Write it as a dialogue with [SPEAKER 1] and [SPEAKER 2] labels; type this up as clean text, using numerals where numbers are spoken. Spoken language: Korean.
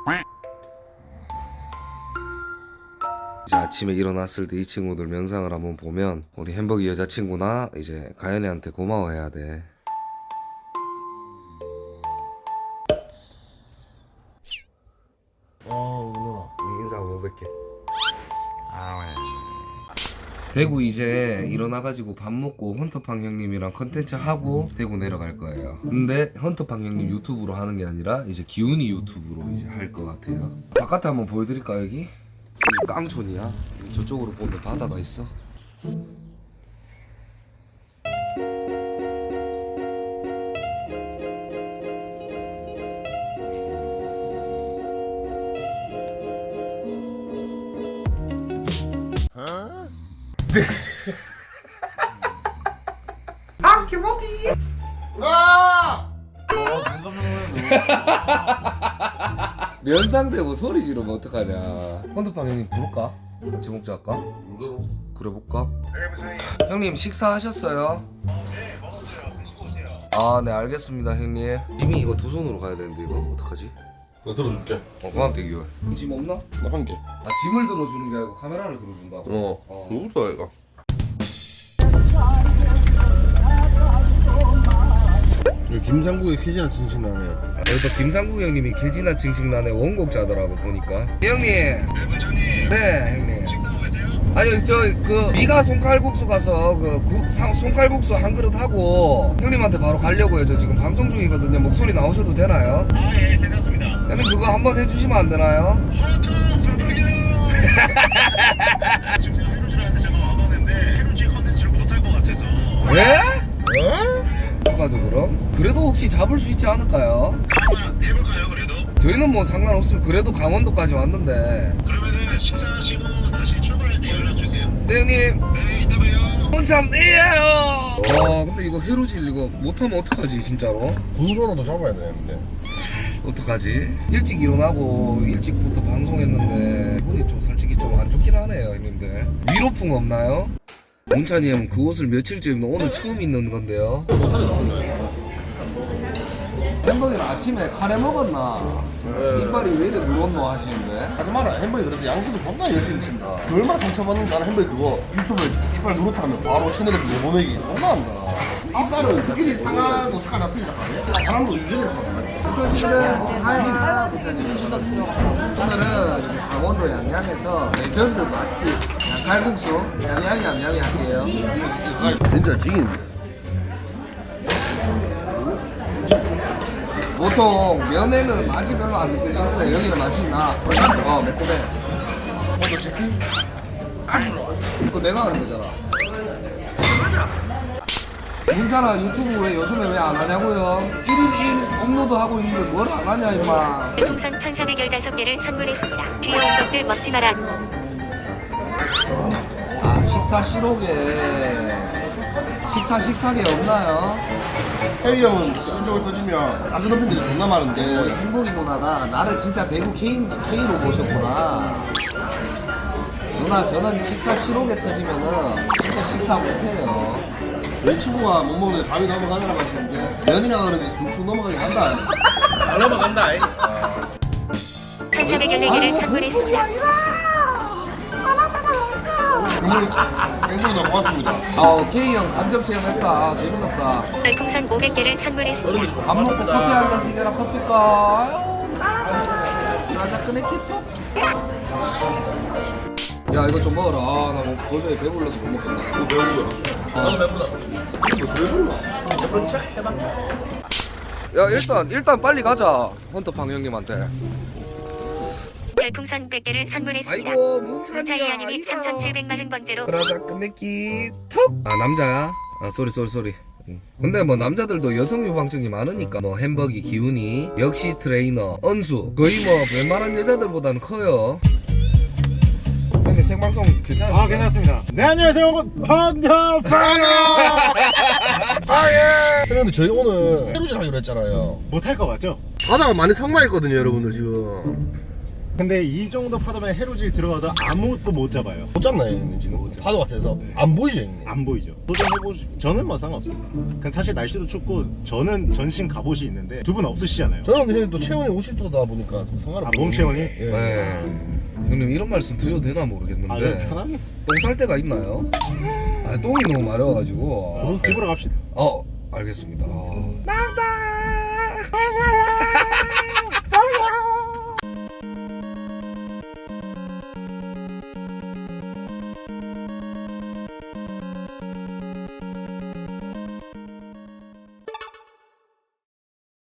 [SPEAKER 1] 이제 아침에 일어났을 때 이 친구들 영상을 한번 보면 우리 햄버기 여자친구나 이제 가연이한테 고마워해야 돼. 누나 인사 한번 뵐게. 대구 이제 일어나가지고 밥 먹고 헌터팡 형님이랑 컨텐츠 하고 대구 내려갈 거예요. 근데 헌터팡 형님 유튜브로 하는 게 아니라 이제 기훈이 유튜브로 이제 할 것 같아요. 바깥에 한번 보여드릴까 여기? 여기 깡촌이야. 저쪽으로 보면 바다가 있어.
[SPEAKER 2] 아 김호기.
[SPEAKER 1] 면상되고 소리 지르면 어떡하냐. 헌터팡 형님 부를까? 같이 먹자 할까? 그래 볼까? 형님 식사하셨어요?
[SPEAKER 3] 네, 먹었어요. 드시고 오세요.
[SPEAKER 1] 아 네 알겠습니다 형님. 짐이 이거 두 손으로 가야 되는데 이거 어떡하지?
[SPEAKER 3] 내가 들어줄게.
[SPEAKER 1] 고맙 대기요. 짐 없나?
[SPEAKER 3] 나 한 개.
[SPEAKER 1] 아 짐을 들어주는 게 아니고 카메라를 들어준다고?
[SPEAKER 3] 누구다 얘가? 김상국의 퀴즈나 진신나네.
[SPEAKER 1] 여기도 김상국 형님이 개지나 징징나네 원곡자더라고 보니까. 형님.
[SPEAKER 3] 네, 문자님.
[SPEAKER 1] 네 형님.
[SPEAKER 3] 식사하고 계세요?
[SPEAKER 1] 아니 저 그 미가 손칼국수 가서 그 손칼국수 한 그릇 하고 형님한테 바로 가려고요. 저 지금 방송 중이거든요. 목소리 나오셔도 되나요?
[SPEAKER 3] 아, 예, 괜찮습니다.
[SPEAKER 1] 형님 그거 한번 해주시면 안 되나요?
[SPEAKER 3] 하트 불판이요. 지금 제가 해루질 하는데 제가 와봤는데 해루질 컨텐츠를 못할 것 같아서.
[SPEAKER 1] 왜? 어떡하죠 그럼? 그래도 혹시 잡을 수 있지 않을까요?
[SPEAKER 3] 한번 해볼까요, 그래도?
[SPEAKER 1] 저희는 뭐 상관없으면 그래도 강원도까지 왔는데.
[SPEAKER 3] 그러면은 식사하시고 다시 출발할 때 연락 주세요.
[SPEAKER 1] 네 형님.
[SPEAKER 3] 네, 이따 봬요.
[SPEAKER 1] 문찬이에요. 와 근데 이거 해루질 이거 못하면 어떡하지 진짜로?
[SPEAKER 3] 분소라도 잡아야 되는데.
[SPEAKER 1] 어떡하지? 일찍 일어나고 일찍부터 방송했는데 기분이 좀 솔직히 좀 안 좋긴 하네요 형님들. 위로풍 없나요? 문찬이 형 그 옷을 며칠째 입는 오늘 처음 입는 건데요. 햄버거는 아침에 카레 먹었나? 이빨이 왜 이래 누웠노 하시는데?
[SPEAKER 3] 하지 마라. 햄버거 그래서 양식도 존나 열심히 친다. 그 얼마나 상처받는지 알아. 햄버거 그거 유튜브에 이빨 누르타면 바로 채널에서 내보내기 존나 한다. 이빨은 일이 상하고 색깔 다 틀리다 말이야. 사람도 유전이라고 말이야.
[SPEAKER 1] 어떠신데? 하이 문찬님. 오늘은 이제 강원도 양양에서 레전드 맛집 양칼국수 양양이 할게요.
[SPEAKER 3] 진짜 지긴.
[SPEAKER 1] 보통 면에는 맛이 별로 안 느껴지는데 여기는 맛이 나. 매콤해. 그거 내가 하는 거잖아. 문찬아 유튜브 왜 요즘에 왜 안 하냐고요? 1일 1 업로드 하고 있는데 뭘 안 하냐 임마.
[SPEAKER 4] 풍선 1415개를 선물했습니다. 귀여운 것들 먹지 마라.
[SPEAKER 1] 아 식사 실록에 식사게 없나요?
[SPEAKER 3] 혜리 형은 성적을 터지면 안 주는 팬들이 존나 많은데
[SPEAKER 1] 행복이 누나가 나를 진짜 대구 K로 모셨구나. 누나 저는 식사 실록에 터지면은 진짜 식사 못해요.
[SPEAKER 3] 내 친구가 못 먹는데 밥이 넘어가느라고 하시는데 면이라 그러는데 쑥쑥 넘어가긴 한다.
[SPEAKER 4] 1414개를 선물했습니다.
[SPEAKER 3] 굉장히 고맙습니다.
[SPEAKER 1] K형 간접 체험했다. 재밌었다.
[SPEAKER 4] 별풍선 500개를 선물했습니다.
[SPEAKER 1] 밥 먹고 커피 한 잔씩 해라. 커피가 라자 꺼냈겠죠? 야 이거 좀 먹어라. 나 뭐 도저히 배불러서 못 먹겠다.
[SPEAKER 3] 뭐 배우고요. 나도 배부르다. 이거 왜 불러?
[SPEAKER 1] 야 일단 빨리 가자. 헌터팡 형님한테.
[SPEAKER 4] 별풍선 100개를 선물했습니다.
[SPEAKER 1] 아이고 문찬이야.
[SPEAKER 4] 문차이아님이 3740번째로
[SPEAKER 1] 라자 꺼냈기 턱. 아 남자야? 아 쏘리. 근데 뭐 남자들도 여성 유방증이 많으니까 뭐 햄버기 기훈이 역시 트레이너 언수 거의 뭐 웬만한 여자들보다는 커요. 형님 생방송 괜찮으세요?
[SPEAKER 5] 아 괜찮습니다. 네 안녕하세요 여러분 헌터팡.
[SPEAKER 3] 근데 저희 오늘 해루질 하기로 했잖아요.
[SPEAKER 5] 못할 거 맞죠?
[SPEAKER 3] 바다가 많이 상나했거든요 여러분들 지금.
[SPEAKER 5] 근데 이 정도 파도면 해루질 들어가도 아무것도 못 잡아요.
[SPEAKER 3] 못 잡나요 형님 지금? 파도가 세서 안 보이죠 형님?
[SPEAKER 5] 안 보이죠. 도전해보시. 저는 뭐 상관없습니다. 근데 사실 날씨도 춥고 저는 전신 갑옷이 있는데 두 분 없으시잖아요.
[SPEAKER 3] 저는 형님 또 체온이 50도다 보니까 좀 상관없어요.
[SPEAKER 5] 몸 체온이?
[SPEAKER 3] 예.
[SPEAKER 1] 네. 형님 이런 말씀 드려도 되나 모르겠는데
[SPEAKER 5] 아, 그냥 편하게.
[SPEAKER 1] 똥 쌀 데가 있나요? 아 똥이 너무 마려워가지고
[SPEAKER 5] 집으로 갑시다.
[SPEAKER 1] 알겠습니다.